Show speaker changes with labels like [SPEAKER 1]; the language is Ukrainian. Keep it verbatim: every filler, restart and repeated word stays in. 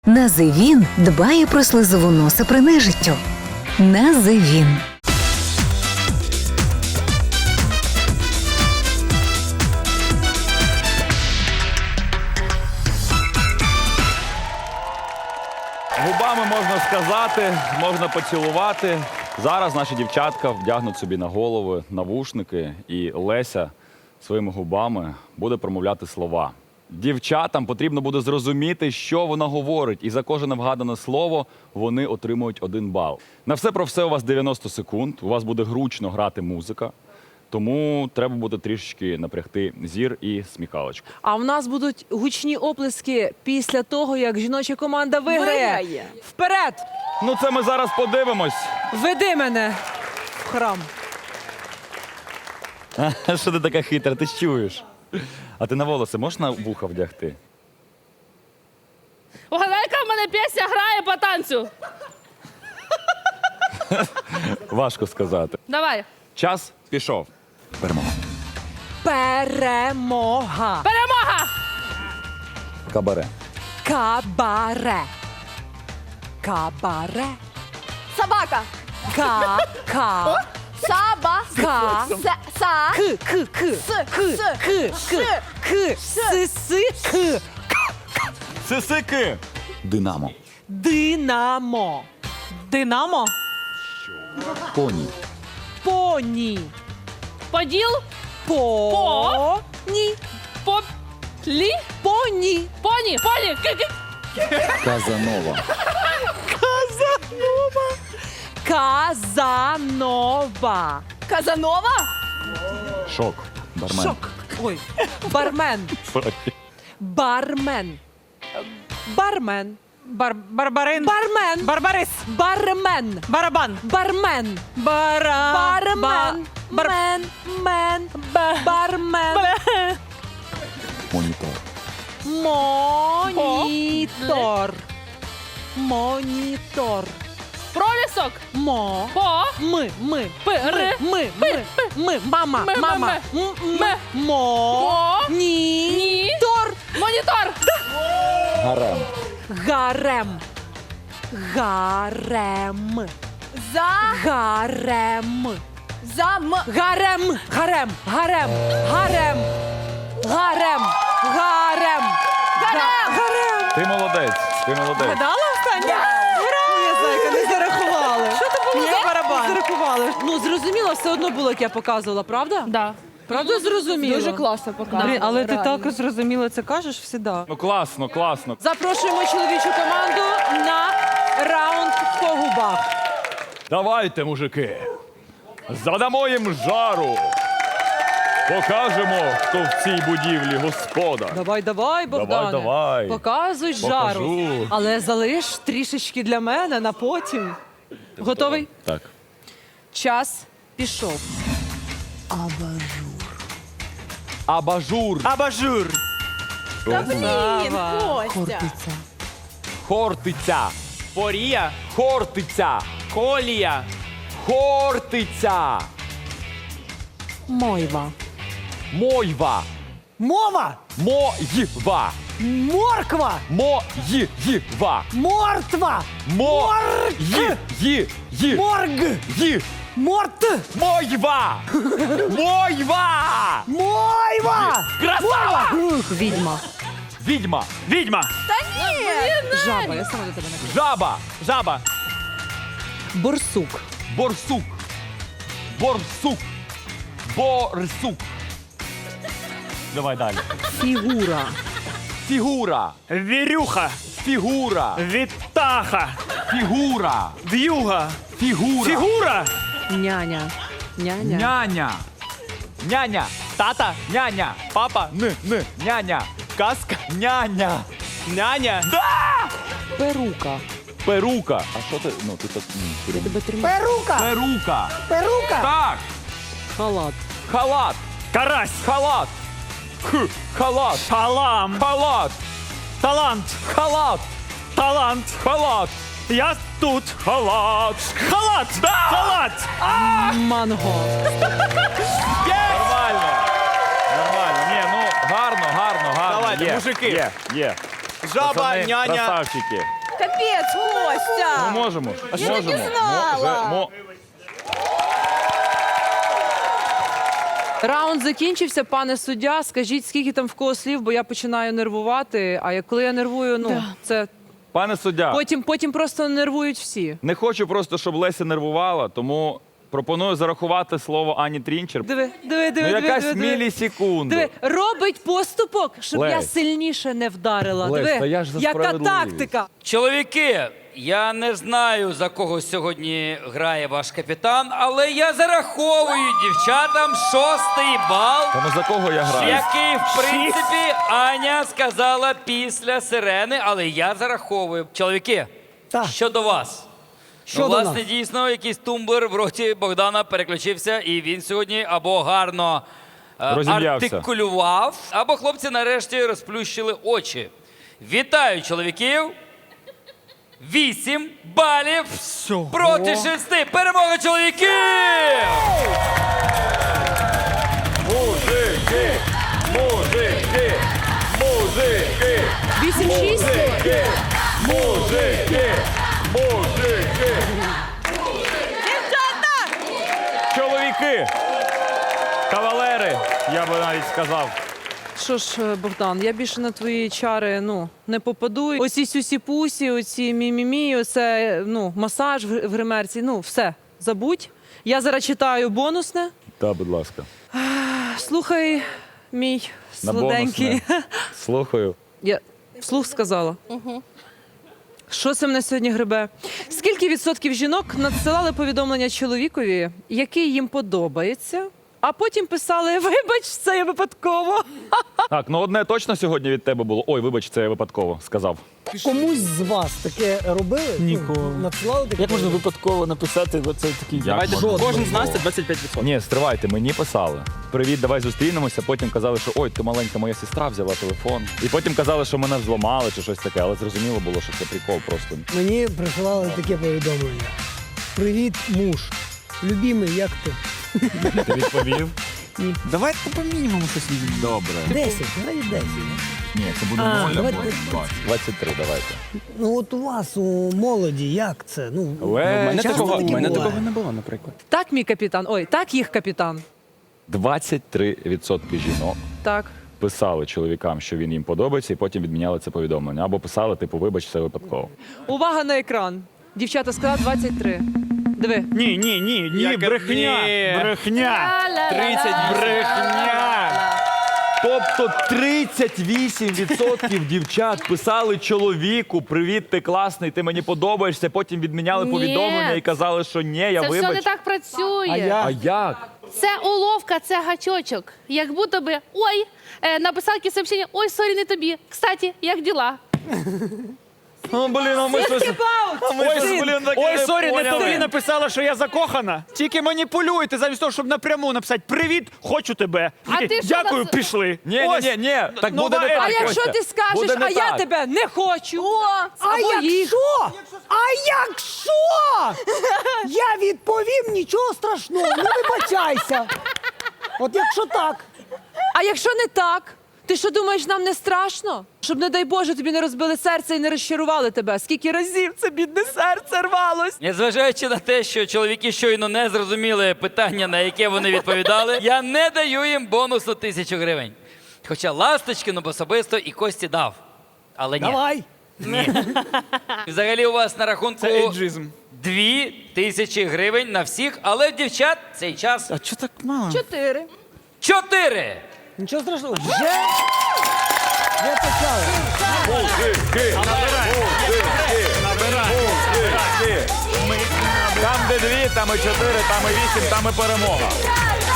[SPEAKER 1] Називін дбає про слизову носа при нежиттю. Називін.
[SPEAKER 2] Губами можна сказати, можна поцілувати. Зараз наші дівчатка вдягнуть собі на голови навушники, і Леся своїми губами буде промовляти слова. Дівчатам потрібно буде зрозуміти, що вона говорить, і за кожне вгадане слово вони отримують один бал. На все про все у вас дев'яносто секунд, у вас буде гручно грати музика, тому треба буде трішечки напрягти зір і сміхалочку.
[SPEAKER 3] А в нас будуть гучні оплески після того, як жіноча команда виграє.
[SPEAKER 4] Виграє.
[SPEAKER 3] Вперед!
[SPEAKER 2] Ну це ми зараз подивимось.
[SPEAKER 3] Веди мене в храм.
[SPEAKER 2] Що ти така хитра, ти ж чуєш? А ти на волоси можеш на вуха вдягти?
[SPEAKER 4] Угадай, яка в мене пісня грає по танцю.
[SPEAKER 2] Важко сказати.
[SPEAKER 4] Давай.
[SPEAKER 2] Час пішов. Перемога.
[SPEAKER 3] Перемога.
[SPEAKER 4] Перемога!
[SPEAKER 2] Кабаре.
[SPEAKER 3] Кабаре. Кабаре.
[SPEAKER 5] Собака.
[SPEAKER 3] Ка. Ка.
[SPEAKER 5] Саба.
[SPEAKER 3] Ка.
[SPEAKER 5] Са. Са.
[SPEAKER 3] К. К. К.
[SPEAKER 5] С.
[SPEAKER 3] К.
[SPEAKER 5] С.
[SPEAKER 3] К. К. К. С. С. К.
[SPEAKER 2] Сисики. Динамо.
[SPEAKER 3] Динамо. Динамо.
[SPEAKER 2] Поні.
[SPEAKER 3] Поні.
[SPEAKER 4] Поділ.
[SPEAKER 3] По. Ні.
[SPEAKER 4] По. Лі.
[SPEAKER 3] Поні.
[SPEAKER 4] Поні. Поні. Ки-ки.
[SPEAKER 2] Казанова.
[SPEAKER 3] Казанова. Казанова.
[SPEAKER 5] Казанова.
[SPEAKER 2] Шок. Бармен.
[SPEAKER 3] Шок. Ой. Бармен. Бармен. Бармен.
[SPEAKER 6] Бар Барбарин.
[SPEAKER 3] Бармен.
[SPEAKER 6] Барбарис.
[SPEAKER 3] Бармен.
[SPEAKER 6] Барабан.
[SPEAKER 3] Бармен.
[SPEAKER 6] Бара.
[SPEAKER 3] Бармен.
[SPEAKER 6] Бар...
[SPEAKER 3] Мен. Мен.
[SPEAKER 6] Ба...
[SPEAKER 3] Бармен.
[SPEAKER 6] Бля.
[SPEAKER 2] Монітор.
[SPEAKER 3] Монітор. Монітор.
[SPEAKER 4] Пролісок.
[SPEAKER 3] Мо.
[SPEAKER 4] По.
[SPEAKER 3] Ми. Ми.
[SPEAKER 4] Пи. Ри.
[SPEAKER 3] Ми. Ми. Ми. Мама.
[SPEAKER 4] Ми, ми,
[SPEAKER 3] Мама.
[SPEAKER 4] ми.
[SPEAKER 3] М, м,
[SPEAKER 4] Ми.
[SPEAKER 3] Мо.
[SPEAKER 4] Мо.
[SPEAKER 3] Ні.
[SPEAKER 4] Ні.
[SPEAKER 3] Тор.
[SPEAKER 4] Монітор.
[SPEAKER 2] Гарем.
[SPEAKER 3] Гарем. Гарем.
[SPEAKER 5] За.
[SPEAKER 3] Гарем.
[SPEAKER 5] Зам.
[SPEAKER 3] Гарем. Гарем. Гарем. Гарем. Гарем. Гарем. Гарем. Гарем.
[SPEAKER 2] Ти молодець. Ти молодець.
[SPEAKER 6] Гадала останнє? Ні, зайка, не зарахували. Що це було за барабан? Не зарахували.
[SPEAKER 3] Ну, зрозуміло, все одно було, як я показувала, правда?
[SPEAKER 4] Да.
[SPEAKER 3] Правда зрозуміло?
[SPEAKER 5] Дуже класно показує.
[SPEAKER 6] Блін, але ти
[SPEAKER 5] реально.
[SPEAKER 6] так зрозуміло це кажеш всіда.
[SPEAKER 2] Ну класно, класно.
[SPEAKER 3] Запрошуємо чоловічу команду на раунд по губах.
[SPEAKER 2] Давайте, мужики. Задамо їм жару. Покажемо, хто в цій будівлі господар.
[SPEAKER 3] Давай, давай, Богдане.
[SPEAKER 2] Давай, давай.
[SPEAKER 3] Показуй жару.
[SPEAKER 2] Покажу.
[SPEAKER 3] Але залиш трішечки для мене на потім. Готовий?
[SPEAKER 2] Так.
[SPEAKER 3] Час пішов.
[SPEAKER 2] Абажур.
[SPEAKER 6] Абажур.
[SPEAKER 5] Та блін, Костя.
[SPEAKER 2] Хортиця.
[SPEAKER 7] Порія,
[SPEAKER 2] Хортиця.
[SPEAKER 7] колія,
[SPEAKER 2] Хортиця.
[SPEAKER 3] Мойва.
[SPEAKER 2] Мойва.
[SPEAKER 6] Мова.
[SPEAKER 2] Моїва.
[SPEAKER 6] Морква.
[SPEAKER 2] Моїва.
[SPEAKER 6] Мортва.
[SPEAKER 2] Мо. Ї. Ї. Ї.
[SPEAKER 6] Морг.
[SPEAKER 2] Ї.
[SPEAKER 6] Морт.
[SPEAKER 2] Мойва. Мойва.
[SPEAKER 6] Мойва.
[SPEAKER 2] Красава.
[SPEAKER 3] Відьма.
[SPEAKER 2] Відьма.
[SPEAKER 7] відьма,
[SPEAKER 3] Жаба. Я сама до тебе не
[SPEAKER 2] Жаба.
[SPEAKER 7] жаба,
[SPEAKER 3] Борсук.
[SPEAKER 2] Борсук. Борсук. Борсук. Давай далі.
[SPEAKER 3] Фігура.
[SPEAKER 2] Фігура.
[SPEAKER 7] вірюха,
[SPEAKER 2] Фігура.
[SPEAKER 7] вітаха,
[SPEAKER 2] Фігура.
[SPEAKER 7] в'юга,
[SPEAKER 2] Фігура.
[SPEAKER 7] фігура,
[SPEAKER 3] Няня. Няня.
[SPEAKER 2] Няня. Няня.
[SPEAKER 7] тата,
[SPEAKER 2] Няня.
[SPEAKER 7] папа,
[SPEAKER 2] Н. Н. Няня.
[SPEAKER 7] казка,
[SPEAKER 2] Няня.
[SPEAKER 7] няня,
[SPEAKER 3] Перука.
[SPEAKER 2] Перука. А що ти? Ну, ти так. ні,
[SPEAKER 3] Я тебе тримаю.
[SPEAKER 6] Перука.
[SPEAKER 2] Перука.
[SPEAKER 6] Перука.
[SPEAKER 2] Так.
[SPEAKER 3] Халат.
[SPEAKER 2] Халат.
[SPEAKER 7] карась,
[SPEAKER 2] Халат. Х. Халат.
[SPEAKER 7] шалам,
[SPEAKER 2] Халат.
[SPEAKER 7] талант,
[SPEAKER 2] Халат.
[SPEAKER 7] талант,
[SPEAKER 2] Халат.
[SPEAKER 7] я тут,
[SPEAKER 2] Халат.
[SPEAKER 7] халат, халат,
[SPEAKER 3] Манго.
[SPEAKER 2] Нормально. Нормально. Ні, ну гарно, гарно, гарно.
[SPEAKER 7] Давайте,
[SPEAKER 2] є,
[SPEAKER 7] мужики.
[SPEAKER 2] Є, є.
[SPEAKER 7] жаба,
[SPEAKER 2] Пацани,
[SPEAKER 7] няня,
[SPEAKER 2] красавчики.
[SPEAKER 5] Капець, Костя!
[SPEAKER 2] Ми можемо.
[SPEAKER 5] Я
[SPEAKER 2] можемо.
[SPEAKER 5] так і знала.
[SPEAKER 2] Можемо.
[SPEAKER 3] Раунд закінчився, пане суддя. Скажіть, скільки там в кого слів, бо я починаю нервувати. А як коли я нервую, ну це
[SPEAKER 2] Пане суддя,
[SPEAKER 3] потім, потім просто нервують всі.
[SPEAKER 2] не хочу просто, щоб Леся нервувала, тому пропоную зарахувати слово Ані Трінчер.
[SPEAKER 3] Диви, диви,
[SPEAKER 2] Ну,
[SPEAKER 3] диви, диви,
[SPEAKER 2] якась
[SPEAKER 3] диви, диви.
[SPEAKER 2] мілісекунду.
[SPEAKER 3] Диви, робить поступок, щоб я
[SPEAKER 2] Лесь.
[SPEAKER 3] сильніше не вдарила.
[SPEAKER 2] Лесь,
[SPEAKER 3] Диви,
[SPEAKER 2] та я ж за
[SPEAKER 3] яка
[SPEAKER 2] справедливість.
[SPEAKER 3] тактика.
[SPEAKER 8] Чоловіки, я не знаю, за кого сьогодні грає ваш капітан, але я зараховую дівчатам шостий бал,
[SPEAKER 2] Та ну за кого я граю?
[SPEAKER 8] який, в принципі, Аня сказала після сирени, але я зараховую. Чоловіки, щодо вас. Ну, власне, дійсно, якийсь тумблер в роті Богдана переключився, і він сьогодні або гарно е,
[SPEAKER 2] Розім'явся.
[SPEAKER 8] артикулював, або хлопці нарешті розплющили очі. Вітаю, чоловіків! Вісім балів проти шести. Перемога чоловіків!
[SPEAKER 2] Мужики! Мужики! Мужики!
[SPEAKER 3] вісім-шість.
[SPEAKER 2] Мужики! Мужики! Мужики! Чоловіки! Кавалери, я би навіть сказав.
[SPEAKER 3] Що ж, е, Богдан, я більше на твої чари ну, не попаду. Оці сюсі-пусі, оці мі-мі-мі, оце ну, масаж в в гримерці, ну все, забудь. Я зараз читаю бонусне.
[SPEAKER 2] Так, будь ласка.
[SPEAKER 3] Слухай, мій
[SPEAKER 2] На
[SPEAKER 3] сладенький.
[SPEAKER 2] бонусне. Слухаю.
[SPEAKER 3] Я вслух сказала. Що це мене сьогодні грибе? Скільки відсотків жінок надсилали повідомлення чоловікові, який їм подобається, а потім писали: вибач, це я випадково.
[SPEAKER 2] Так, ну одне точно сьогодні від тебе було. Ой, вибач, це я випадково сказав.
[SPEAKER 9] Комусь з вас таке робили?
[SPEAKER 7] Ніколи.
[SPEAKER 9] Надсилали таке?
[SPEAKER 7] Як можна випадково написати оце такий?
[SPEAKER 2] Давайте
[SPEAKER 7] Кожен з нас це двадцять п'ять відсотків.
[SPEAKER 2] Ні, стривайте, мені писали. Привіт, давай зустрінемося. Потім казали, що ой, ти маленька моя сестра взяла телефон. І потім казали, що мене зламали чи щось таке, але зрозуміло було, що це прикол просто.
[SPEAKER 9] Мені присилали таке повідомлення. Привіт, муж. Любімий, як ти?
[SPEAKER 2] Ти відповів?
[SPEAKER 7] Давайте по мінімуму щось візьмемо.
[SPEAKER 2] Добре.
[SPEAKER 9] Десять, навіть десять.
[SPEAKER 2] Ні, це буде
[SPEAKER 9] А,
[SPEAKER 2] ноль
[SPEAKER 9] давайте
[SPEAKER 2] або двадцять три, давайте.
[SPEAKER 9] Ну от у вас, у молоді, як це? Ну,
[SPEAKER 2] Лесь.
[SPEAKER 9] часто таке буває?
[SPEAKER 7] не було, наприклад.
[SPEAKER 3] Так, мій капітан. Ой, так їх капітан.
[SPEAKER 2] двадцять три відсотки жінок
[SPEAKER 3] Так.
[SPEAKER 2] писали чоловікам, що він їм подобається, і потім відміняли це повідомлення. Або писали, типу, вибач, це випадково.
[SPEAKER 3] Увага на екран. Дівчата сказала двадцять три. Диви.
[SPEAKER 7] Ні, ні, ні, ні, брехня. Брехня.
[SPEAKER 4] тридцять
[SPEAKER 2] Брехня! Тобто тридцять вісім відсотків дівчат писали чоловіку: привіт, ти класний, ти мені подобаєшся. Потім відміняли
[SPEAKER 4] Ні.
[SPEAKER 2] повідомлення і казали, що ні, я
[SPEAKER 4] Це все
[SPEAKER 2] вибач.
[SPEAKER 4] не так працює.
[SPEAKER 9] А я?
[SPEAKER 2] А як?
[SPEAKER 4] Це уловка, це гачочок. Як будто би, ой, е, написав якесь сообщення, ой, сорі, не тобі. Кстати, як діла?
[SPEAKER 2] О, блін, а ми щось... А ми щось, блін, таке
[SPEAKER 7] Ой, сорі, не
[SPEAKER 2] поняли.
[SPEAKER 7] тобі написала, що я закохана. Тільки маніпулюєте замість того, щоб напряму написати «Привіт, хочу тебе».
[SPEAKER 4] А
[SPEAKER 7] Такий,
[SPEAKER 4] ти що
[SPEAKER 7] дякую,
[SPEAKER 4] нас-
[SPEAKER 7] пішли.
[SPEAKER 2] Ні,
[SPEAKER 7] Ось.
[SPEAKER 2] ні, ні, ні, так
[SPEAKER 7] Ну,
[SPEAKER 2] буде не
[SPEAKER 7] давай.
[SPEAKER 2] так,
[SPEAKER 3] А якщо
[SPEAKER 2] Костя.
[SPEAKER 3] ти скажеш,
[SPEAKER 2] Буде не
[SPEAKER 3] а я
[SPEAKER 2] так.
[SPEAKER 3] тебе не хочу.
[SPEAKER 9] А
[SPEAKER 3] Або їх.
[SPEAKER 9] якщо? А якщо? Я відповім, нічого страшного, не вибачайся. От якщо так.
[SPEAKER 3] А якщо не так, ти що думаєш, нам не страшно? Щоб, не дай Боже, тобі не розбили серце і не розчарували тебе. Скільки разів це бідне серце рвалось?
[SPEAKER 8] Незважаючи на те, що чоловіки щойно не зрозуміли питання, на яке вони відповідали, я не даю їм бонусу тисячу гривень. Хоча Ласточкину б особисто і Кості дав. Але ні.
[SPEAKER 9] Давай.
[SPEAKER 8] Ні. Взагалі у вас на рахунку
[SPEAKER 7] Це ейджизм.
[SPEAKER 8] дві тисячі гривень на всіх, але в дівчат цей час
[SPEAKER 7] А чого так мало?
[SPEAKER 5] Чотири.
[SPEAKER 8] чотири.
[SPEAKER 9] Нічого страшного. Вже? Вже почали.
[SPEAKER 2] Мужики! Мужики! Мужики! Там, де дві, там і чотири, там і вісім, там і перемога.